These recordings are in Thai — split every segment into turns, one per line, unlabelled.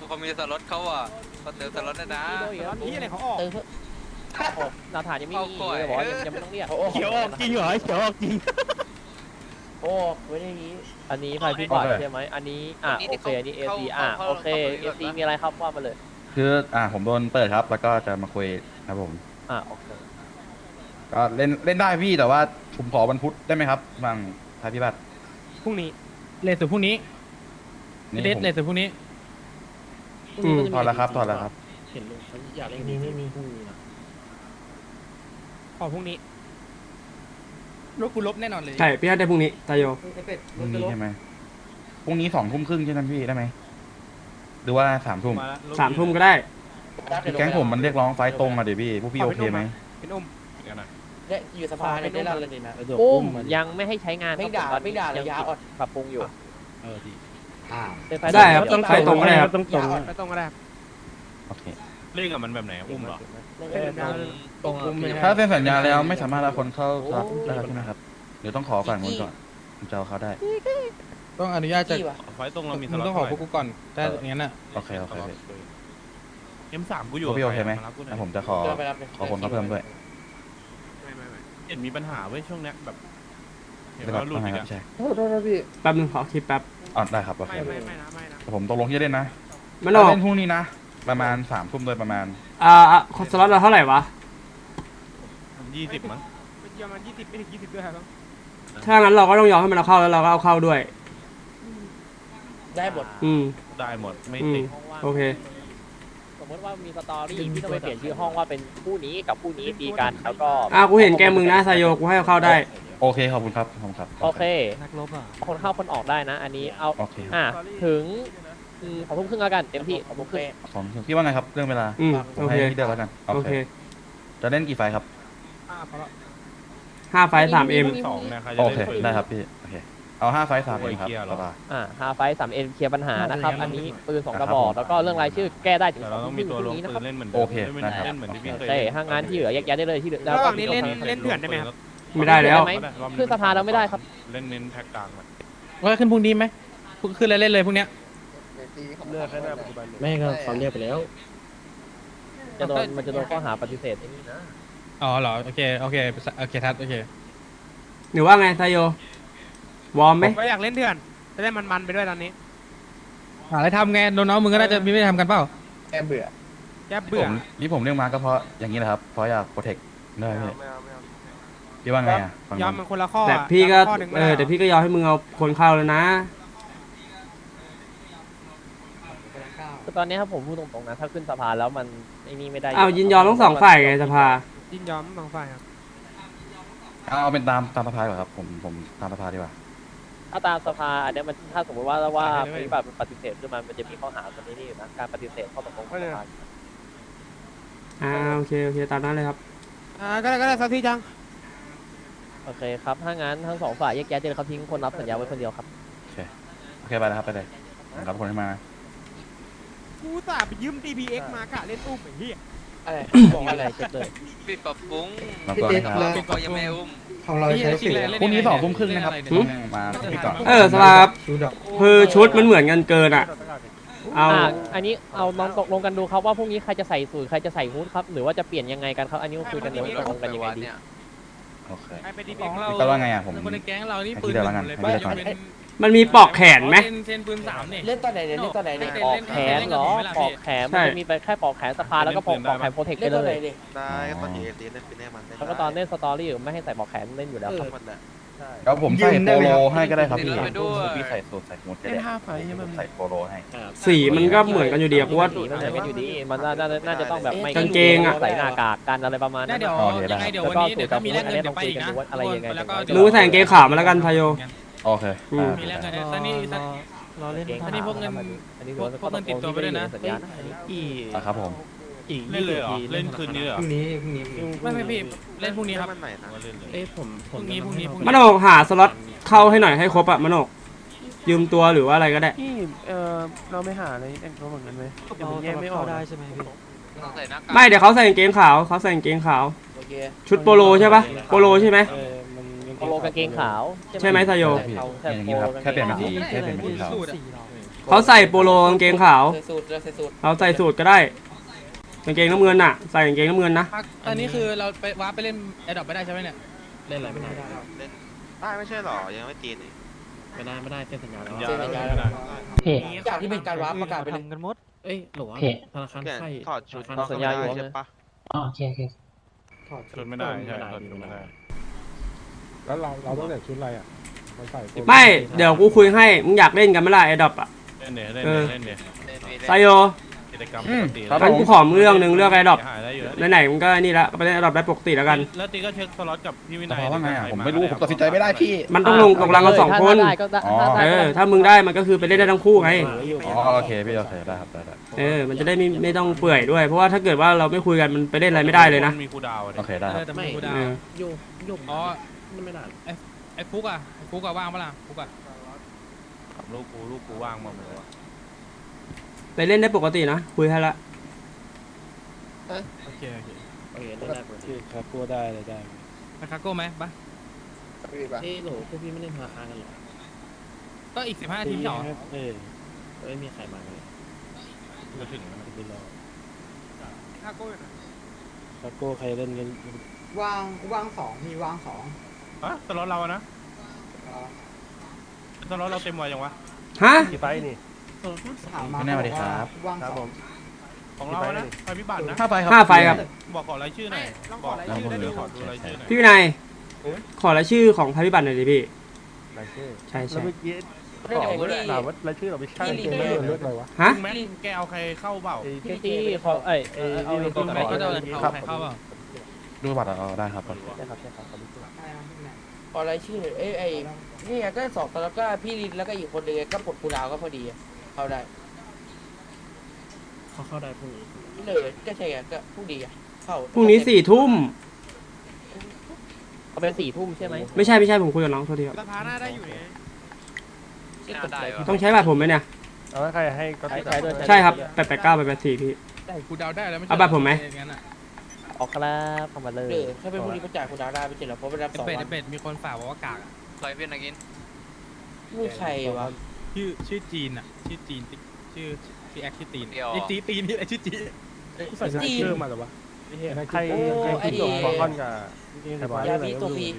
เขามีสล็อตเขาอ่ะเขาเติมสล็อตได้นะ
พี่อะไรเขาออกหน้าฐานยังไม่มีเลยบอกยังไม่ต้องเรียก
เขียวออกจริงเหรอเขียวออกจริง
โอ้ไม่ได้นี้
อันนี้ไฟพี่บอดใช่ไหมอันนี้โอเคอันนี้เอซีโอเคเอซีมีอะไรครับว่ามาเลย
คือผมโดนเปิดครับแล้วก็จะมาคุยครับผม
โอเค
ก็เล่นได้พี่แต่ว่าผมขอวันพุธได้ไหมครับบางทายพิบัติ
พรุ่งนี้เลทสุดพรุ่งนี้
นี่
เลท
ผม
เลทสุดพรุ่งนี้
ถอดแล้วครับถอดแล้วครับ
เห็นลุงเขาอยากเล่นนี้ไม่มีพรุ่งนี้นะ
ออกพรุ่งนี้รถกูลบแน่นอนเลย
ใช่พี่ได้พรุ่งนี้ตายโย
พรุ่งนี้ใช่ไหมพรุ่งนี้2 ทุ่มครึ่งใช่ไหมพี่ได้ไหมหรือว่า3 ทุ่ม
3 ทุ่มก็ได้
คือแก๊งผมมันเรียกร้องไฟตรงอะเดี๋ยวพี่พวกพี่โอเคไหม
เป็นอุ้ม
เนี่ยอยู่สภาเนี่ยได้รับเลยดีนะ
อุ้มยังไม่ให้ใช้งาน
ไม่ด่าเลยยาอ่อน
ปรับปรุงอยู่
ได้ครับต้องไฟตรงก็ได้ครับ
ต้องตรง
ไม่ต้องก็ได้
โอเค
เล่นกับมันแบบไหนอุ้มเหรอ
ตรงอุ้ม
ถ้าเซ็นสัญญาแล้วไม่สามารถเอาคนเข้าซับได้ใช่ไหมครับเดี๋ยวต้องขอฝั่งนู้นก่อนผมจะเอาเขาได้
ต้องอนุญาตจาก
ไฟตรงเรามีส
มึง
ล็อต
ต้องขอพวกกูก่อนแต่อย่างนั้นน่ะ
โอเคโอเคพี่
M3 กูอยู่
พวกพี่โอเคไหม
ารับกูน่
แล้
อ
วย ผมจะขอคนเขาเพิ่มด้วย
เห็นมีปัญหาเว้ยช่วงเนี้ยแบบเห็น
ได้ครั
ว่า
บ
หลุด
ไม่
อีก
ครับ
อะ
ใช่
แป๊บนึงขอคลิปแป๊บ
ได้ครับโอเค
ไม่นะ
แต่ผมตกลงที่จะเล่นนะ
มันออก
เล่นพรุ่งนี้นะประมาณ3 ทุ่มโดยประมาณ
สล็อตเราเท่าไหร่วะ
20มั้ง
ประมาณ20ไม่ถึง20ด้วยครับ
ถ้างั้นเราก็ต้องยอมให้มันเอาเข้าแล้วเราก็เอาเข้าด้วย
ได้หมด
ได้หมดไม่
อืม
ติด
โอเค
สมมติว่ามีสตอรี่พี่ต้องไปเปลี่ยนชื่อห้องว่าเป็นผู้นี้กับผู้นี้ตีกันแล้วก็
กูเห็นแกมึงนะไซโยกูให้เอาเข้าได้
โอเคขอบคุณครับขอบคุณครับ
โอเค
นักรบอ่ะ
คนเข้าคนออกได้นะ อันนี้เอา
โอเค
ถึง2 ทุ่มครึ่งแล้วกันเต็มที่2 ทุ่มครึ่ง
2 ทุ่มพี่ว่าไงครับเรื่องเวลา ผม
โอเค
ให้พี่เดียวแล้วกันโอ
โอ
เค
เค
จะเล่นกี่ไฟครับ
5 ไฟ 3M
2นะใครจะ
โอ
เล่น
เคได้ครับพี่โอเคเอา5 ไฟ 3 เองครับ
โอ้ยเคลียร์เหรอ
สบาย
5 ไฟ 3M เคลียร์ปัญหานะครับ อันนี้ปืน2 กระบอกแล้วก็เรื่องรายชื่อแก้ได้ถึง
แต่เราต้องมีตัวลง
นี้นะ
ปื
ครับ
นเล่นเหมือน
โอเค
เล่น
ได้ครับ
เล่นเหมือนที่พี่เคย
ใช่ถ้างานที่เหลือแยกย้ายได้เลยที่เหลือ
ระหว่างนี้เล่นเถื่อนได้ไหมครับ
ไม่ได้แล้ว
ขึ้นสภาเราไม่ได้ครับ
เล่นเน้นแพ็กกลางอะ
ว่าขึ้นพรุ่งนี้ไหมขึ้นเล่นเลยพรุ่งนี้
ไม่ก็เขาเรียกไปแล้ว
มันจะโดนข้อหาปฏิเสธไอ้นี่นะ
อ๋อเหรอโอเคทัดโอเค
หรือว่าไงไซโยวอร์มไหม
ก็อยากเล่นเถื่อนจะได้มันๆไปด้วยตอนนี้หาอะไรทำไงน้องๆมึงก็น่าจะมีไม่ทำกันเปล่า
แอบเบื่อ
แกเบื่อ
นี่ผมเรียกมาก็เพราะอย่างนี้แหละครับเพราะอยากโปรเทคได้พี่พี่ว่าไงอ่ะฟัง
ยอมมันคนละข้อ
แต่พี่ก็
ข้อหนึ่งไม่
แต่พี่ก็ยอมให้มึงเอาคนเข้าแล้วนะ
คือตอนนี้ครับผมพูดตรงๆนะถ้าขึ้นสภาแล้วมันไอ้นี่ไม่ได้
ยินยอมทั้งสองฝ่ายไงสภา
ยินยอมบางฝ่ายครับ
เอาเป็นตามสภาดีกว่าครับผมตามสภาดีกว่า
ถ้าตามสภาอันเนี้ยมันถ้าสมมติว่าปฏิบัติปฏิเสธขึ้นมามันจะมีข้อหาตัวนี้นี่อยู่นะการปฏิเสธข้อตกลงของสภา
โอเคตามนั้นเลยครับ
ก็ได้สักทีจัง
โอเคครับถ้างั้นทั้ง2 ฝ่ายแยกย้ายเจอเขาทิ้งคนรับสัญญาไว้คนเดียวครับ
โอเคไปแล้วครับไปเลยรับคนให้มา
กูสาไปยืม DPX มากะเล่นอุ้มไอ้เหี้ย
อะไร
บอกอะไรเช็คเลย
ปิดปรับปรุง
มาก่อนนะครับ
ก็ยังไม่อุ้ม
ของเราใช้สิทธิ์
พรุ่งนี้2 ทุ่มครึ่งนะครับมาพี่ก่อน
สภาครับคือชุดมันเหมือนกันเกินอ่ะ
อันนี้เอาน้องตกลงกันดูครับว่าพรุ่งนี้ใครจะใส่สูทใครจะใส่ฮู้ดครับหรือว่าจะเปลี่ยนยังไงกันครับอันนี้คุยกันเดี๋ยวตกลงกันยังไงดี
โอเค
ไป DPX ของเรา
พี่ก็ว่าไงอ่ะผม
คนในแก๊งเรานี่
ให้
ปื
พี่
น
เดียวแล้วกัน
เลย
ให้พี่เดียวก่อน
มันมีปอกแขนไหม
เซนปืน3เนี่ย
เล่นตอนไหนเนี่ยเล่นตอนไหนเนี่ย
ปอกแขนเหรอปอกแขนมันจะมีไปแค่ปอกแขนสภาแล้วก็ปอกแขนโปรเทค
เล่
ไป
นตอน
เล
ไหน
ย
เนี่ย
ได้ก็ตอนเอเล่นเป็นแน่มัน
แล้วก็ตอนเล่นสตอรี่ไม่ให้ใส่ปอกแขนเล่นอยู่แล้วครับ
แล้วผมใส่โปโลให้ก็ได้ครับพี่
ไปด้วย
พี่ใส่สูทใส่หมวกก็ได้ผมใส่โปโลให้
สีมันก็เหมือนกันอยู่ดีอะเพราะว่า
สีมันเหมือนกันอยู่ดีมันน่าจะต้องแบบไม่
กางเกงอะ
ใส่หน้ากากกันอะไรประมาณนั้น
เดี๋ยวยังไงเดี๋ยววันนี้เดี๋ยวถ้ามีแลกเงินเดี๋ยวไปอีกนะแล้วก็
มึงใส่กางเกงขาวมาแล้วกันไซโย
โอเค
มีแลกเงินสันนี่เราเล่นอันนี้พวกเงิน
อันนี้
พวกเงินติดตัวไปด้วยนะ
สัญญาณอันนี้
ครับผม
เล่นเลยเหรอเล่นคืนนี้เหรอ
ไม่พี่เล่นพรุ่งนี้ครับ
มันใหม่นะ
ว่าเล่นเลย
พรุ่งนี้
มันออกหาสล็อตเข้าให้หน่อยให้ครบอะมันออกยืมตัวหรือว่าอะไรก็ได้
เราไม่หาอะไรแต่งตัวเหมือนกันไหมเดี๋ยวผมแยกไม่ออกได้ใช่ไหมพี่
ต้องใส่หน้ากาก
ไม่เดี๋ยวเขาใส่กางเกงขาวเขาใส่กางเกงขาว
โอเค
ชุดโปโลใช่ปะโปโลใช่ไหม
โปโลกางเกงขาว
ใช่ไหมไซโย
อย่างนี้ครับแค่เปลี่ยนเป็นสีแค่เปลี่ยนเป็นสีขาว
เขาใส่โปโลกางเกงขาว
ใส่สูตรเราใส่สูตร
เราใส่สูตรก็ได้กางเกงน้ำเงินน่ะใส่กางเกงน้ำเงินนะ
ตอนนี้คือเราไปว้าไปเล่นแอดดอปไม่ได้ใช่ไหมเนี่ย
เล่นอะไรไม่ได้
เล่นได้ไม่ใช่หรอยังไม่จีนอีก
ไม่ได้เซ็นสัญญาแล้ว
สัญญาแล้ว
จากที่เป็นการว้าประกาศไปเลย
ทำกันหมด
เอ้ยหรอธนาคาร
เปลี่ยน
ไทย
ถอดชุด
สัญญาอยู่
ใช่ปะ
ถอด
ชุดไม่ได้ใช่ถอดชุดไม่ได้
แล้วเราต้องเลือกชุดอะไรอ่ะมาใส่
ไม่เดี๋ยวกูคุยให้มึงอยากเล่นกันไหมล่ะไอ้ดอปอ่ะ
เล่นเล่นเล่น
ไซโย
กิจกรรมปกติ
งั้นกูขอมึงเรื่องหนึ่งเรื่องไอ้ดอป
หายได้อยู่แล้ว
ไหนๆมึงก็นี่ละก็ไปเล่นไอ้ดอปได้ปกติแล้วกัน
แล้วตีก็เช็คสล็อตกับพี่วิ
ส
นัย
ภาว่าไงอ่ะผมไม่รู้ผมตัดสินใจไม่ได้พี่
มันต้องลงรังกันสองคน
ถ้าได้ก็ได้
อ๋อ
ถ้าได้ก็ได้
ถ้ามึงได้มันก็คือไปเล่นได้ทั้งคู่ไง
อ๋อโอเคพี่โอเคได้ครับได้
มันจะได้ไม่ต้องเปื่อยด้วยเพราะว่าถ้าเกิดว่าเราไม่คุยกันมันไปเล่นอะไรไม่ได้เลยนะ
มีคูดาว
โอเคได้ครับ
แต่ไม่กูดา
เออ
โยก
อ๋อ
ไม่ได้
ไอ้ฟุกอะว่างปะล่ะฟุกอะ
ลูกกูว่างมาหมดเลย
ไปเล่นได้ปกตินะคุยให้ละ
โอเค
ได้ปกติ
ครับกูได้เลยได้
ไปคาโก้ไหมปะ
เอ้ยโหลพวกพี่ไม่เล่นธนาคารกันหรอ
ก็อีก15 นาทีไม่เหรอ
ไม่มีใครมาเลย
จะถึง
คาโก้อยู่ไหน
ครับกูใครเล่นกัน
ว่างสองมีว่างสอง
อ่ะสล็อตเรานะสล็อตเราเต็มวัยยังวะ
ฮะ
กี่ไปนี่
ไม่แน่สวัสดีครับ
ว่าง
ครับ
ส
ผ
อง
ม
ของเรานะไฟพิบัตินะ
5 ไฟครับ
5 ไฟครับ
บอกขอรายชื่อหน่อยบอกเดี๋ยวขอดูรายชื่อหน่อย
พี่วินัยขอรายชื่อของภัยพิบัติหน่อยดิพี่
รายชื่อ
ใช่
แล้วเมื่อกี้
เรื่องไหนพี่
ถามว่ารายชื่อเราไม่ใช่
พี่
เกม
ลี
เลือกอะไรวะ
ฮะ
แม็กแกเอาใครเข้าเปล่า
พี่ตี้เขาเอา
ตรงไหนก็จะเอาใครเข้าเปล่า
ดูบัตรได้ครับ
ใช่ครับขอบคุณ
ขอรายชื่อไอ้นี่ก็สองแล้วก็พี่ลินแล้วก็อีกคนนึงก็ปลดคูดาวก็พอดีเข้าได้เข้าได้พรุ่งนี้เลยก็ใช่ไงก็พรุ่งนี้เข้า
พรุ่งนี้4 ทุ่ม
เขาเป็น4 ทุ่มใช่ไหม
ไม่ใช่ผมคุยกับน้องโทษทีครับ
สภาหน้าได้อยู่ไง
น่าได้วะ
ต้องใช้บัตรผมไหมเนี่ย
เอาแล้วใครให้ก็
ใช้ด้วย
ใช่ครับ889 884พี่
กูเดาได้แล้วไม่ใช่
เอาบัตรผมไหม
งั้นอะ
ออกครับเข้ามาเลย
ถ้าเป็นพรุ่งนี้ประจ่ายคูดาวได้ไปเจ็ดแล้วเพราะไปรับ
ไอ้
2
เป็ด
วั
ไอ้
น
เป็ดมีคนฝากบอกว่ากากอะ
เคยเป็นอะไรกิน
มีใครวะ
ชื่อจีนอะชื่อจีนชื่อแอคชื่อตีน
เดียว
ไอ้ตีนนี่ไอ้ชื่อจีน
ใส่สติ๊กเกอร์มาหรอวะใครคิดหลงฟอคอนกับ
ยามีตัวฟรี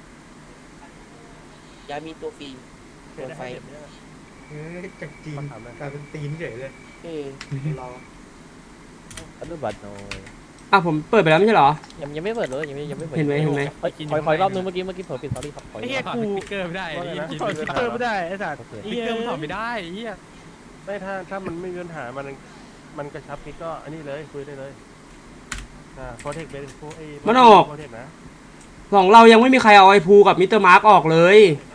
ยามีตัวฟรีเปิดไฟ
จากจีนกลายเป็นตีนเฉยเลย
รอ
อนุบัตรหน่อย
ผมเปิดไปแล้วไม่ใช่เหรอ
ยังไม่เปิดเลยยังไม่เปิด
เห็นไหม
ขอรอบนึงเมื่อกี้เผลอปิดสตอรี่ครับขอ
ไอ้เหี้ยกูสติ๊กเกอร์ไม่ได้
ถอดสติ๊กเกอร์ไม่ได้ไอ้สัตว์
สติ๊กเกอร์มันถอดไม่ได้ไอ้เหี้ย
ไม่ถ้ามันไม่มีปัญหามันกระชับนี่ก็อันนี้เลยคุยได้เลยโปรเทคเป็นโปรเทคนะ
ของเรายังไม่มีใครเอาไอ้ภูกับมิสเตอร์มาร์กออกเลย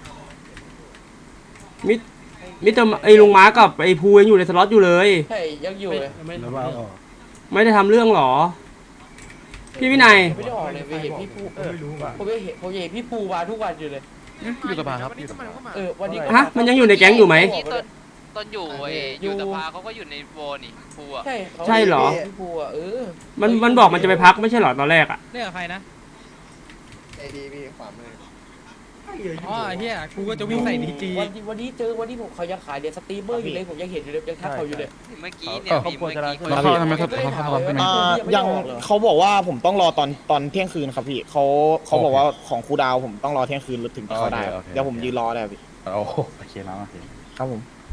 มิสเตอร์ไอ้ลุงมาร์กกับไอ้ภูยังอยู่ในสล็อตอยู่เลย
ใช่ยังอยู่เลย
แล้วว่าออก
ไม่ได้ทำเรื่องหรอ พี่วินัย
ไม่ได้ออกเลยไปเห็นพี่ภู
ไม่รู้ว่า
ผมเห็นพี่ภูมาทุกวันอยู่เลย
อยู่สภาครับ
วันนี้
ฮะมันยังอยู่ในแก๊งอยู่ไหม
ที่ต้นอยู่อยู่สภาเขาก็อยู่ในโวนี่ฟูอ่ะ
ใช่
ใช่เหรอ
พี่ภูอ่ะ
มันบอกมันจะไปพักไม่ใช่เหรอตอนแรกอ่ะ
เรียกใครนะ
ไอดีพี่ขวามือ
อ๋อไอ้เหี้ยกูก็จะวิ่งใส่ดีจี
วันนี้ผมเขายังขายเดี๋ยวสตรีมเมอร์อยู่เลยผมยังเห็นอยู่เลยยังทักเขาอยู่เลย
เมื่อกี้เนี่ยพี่เมื่อกี้
แล้วเขาทำไมเขาใช่ไหม
ยังเขาบอกว่าผมต้องรอตอนเที่ยงคืนครับพี่เขาบอกว่าของครูดาวผมต้องรอเที่ยงคืนถึงจะเข้าได้เดี๋ยวผมยืนรอได้พี่
โอเคนะโอเค
ครับผม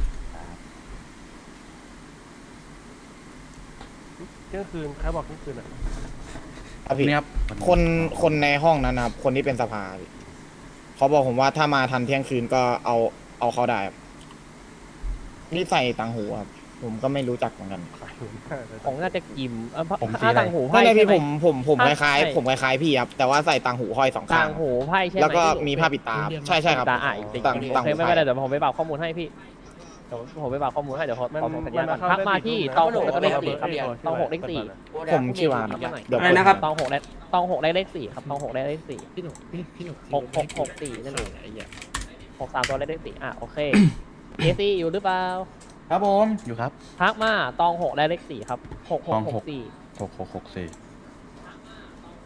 เที่ยงคืนใครบอกเที่ยงคืนอ่ะ
ครับพี่
นี่ครับ
คนในห้องนั้นนะครับคนที่เป็นสภาพี่เขาบอกผมว่าถ้ามาทันเที่ยงคืนก็เอาเข้าได้ครับนี่ใส่ต่างหูครับผมก็ไม่รู้จักเหมือนกัน
ของน่าจะกิม
ผมสีอะไร
ต่างหู
ไม่
ไพ่
เลยพี่
ใช่ไห
ผมคล้ายๆผมคล้ายๆพี่ครับแต่ว่าใส่ต่างหูห้อยสองข้า
ต่าง งหูไพ่ใช่ไหม
แล้วก็มีผ้าปิดตาใช่ครับ
ตาอ่ะติด
ต่าง
โอเคไม่เป็นไรเดี๋ยวผมไปบอกข้อมูลให้พี่เดี๋ยวผมไปบอกข้อมูลให้เดี๋ยวขอส่งสัญญาณก่อนทักมาที่ตอง6แล้วก็เลข4ครับตอง6เลข4
ผมชื่อวานครับเดี๋ยว
อะไรนะครับ
ตอง6ได้เลข4ครับตอง6ได้เลข4
พี่หนุ่ม
6 นั่นเอง6 3ตัวเลข4โอเคเอซีอยู่หรือเปล่า
ครับผมอยู่ครับ
ทักมาตอง6ได้เลข4ครับ6664
6664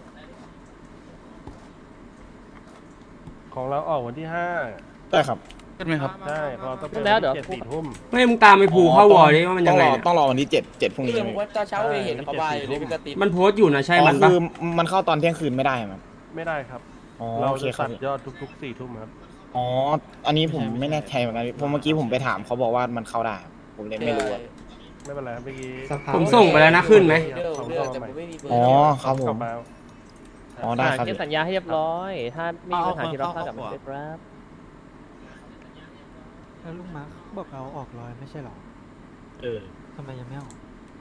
ของเราออกวันที่
ได้ครับ
ขึ้นไหมครับ
ใช่พอต้องเป็น
แล้วเดี๋ยว
7 4 ทุ่ม
ไม่มึงตามไปภูเข้าวอร์ดิว่ามันยังไงเนี่ย
ต้องรอวันที่7พรุ่งนี้
เรื่องว่าตอนเช้าเห็นเขาบายอยู่เลยพี่กติ
มันโพสต์อยู่นะใช่มันปะ
คือมันเข้าตอนเที่ยงคืนไม่ได้ครับ
ไม่ได้ครับ
อ๋อ
เรา
โอเค
จะ
ครั
ตั
บ
ดยอดทุกๆ4 ทุ่มครับ
อ๋ออันนี้ผมไม่แน่ใจเหมือนกันเพราะเมื่อกี้ผมไปถามเขาบอกว่ามันเข้าได้ครับผมเลยไม่รู้อะ
ไม่เป็นไรครับเมื่อกี้
ผมส่งไปแล้วนะขึ้นไหม
เรื่องแต่ผมไม่มีเบอร์
อ๋อครับผม
กลับมา
อ๋อได้ครับ
เขียนสัญญาให้เรียบร้อย ถ้าไม่มีปัญหาที่เราทราบกับมันได้ครับ
แล้วลุงมาร์คบอกเราออกรอยไม่ใช่หรอทำไมยังไม่ออก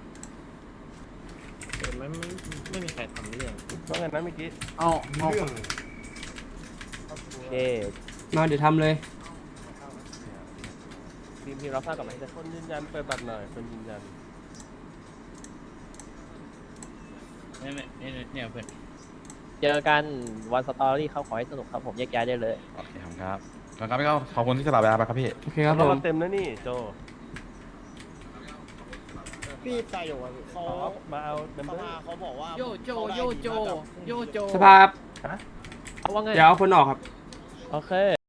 ว่าไงนะเมื่อกี้
โอเค
มาเดี๋ยวทำเลย
ทีมเราทราบกับมันได้
คนยืนยันเปิดบัตรหน่อยคนยืนยัน
เนี่ยเพื่อน
เจอกันวันสตอรี่เขาขอให้สนุกครับผมแยกย้ายได้เลย
โอเคครับครับพี่ก็ขอบคุณที่สลับเวลาไปครับพี่
โอเคครับผ
เรา
ม
เต็มแล้วนี่โจ
พี่ตายอยู่เขา
มาเอาเมม
ส
เบอ
ภา
ร์
เขาบอกว่า
โยโจโยโจโยโจ
สภาพ
เอาว่าไง
เดี๋ยวเอาคนออกครับ
โอเค